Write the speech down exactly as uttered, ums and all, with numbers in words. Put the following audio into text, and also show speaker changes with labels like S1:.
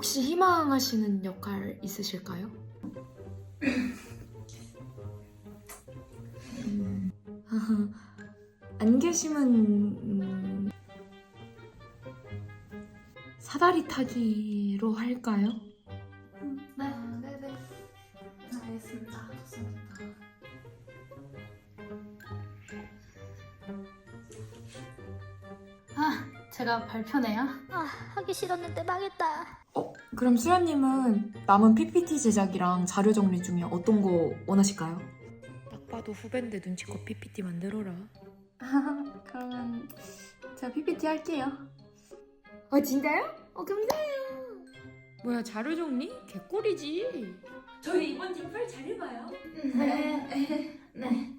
S1: 혹시 희망하시는 역할 있으실까요? 음, 안 계시면 음, 사다리 타기로 할까요?
S2: 네, 네네. 알겠습니다. 좋습니다. 아, 제가 발표네요.
S3: 아, 하기 싫었는데 망했다.
S1: 어, 그럼 수연님은 남은 피피티 제작이랑 자료 정리 중에 어떤 거 원하실까요? 딱 봐도 후배인데 눈치껏 피피티 만들어라. 그러면 제가 피피티 할게요. 어, 진짜요? 어, 감사해요. 뭐야, 자료 정리? 개꿀이지. 저희 이번 팀 펄 잘 해봐요.
S2: 네, 네.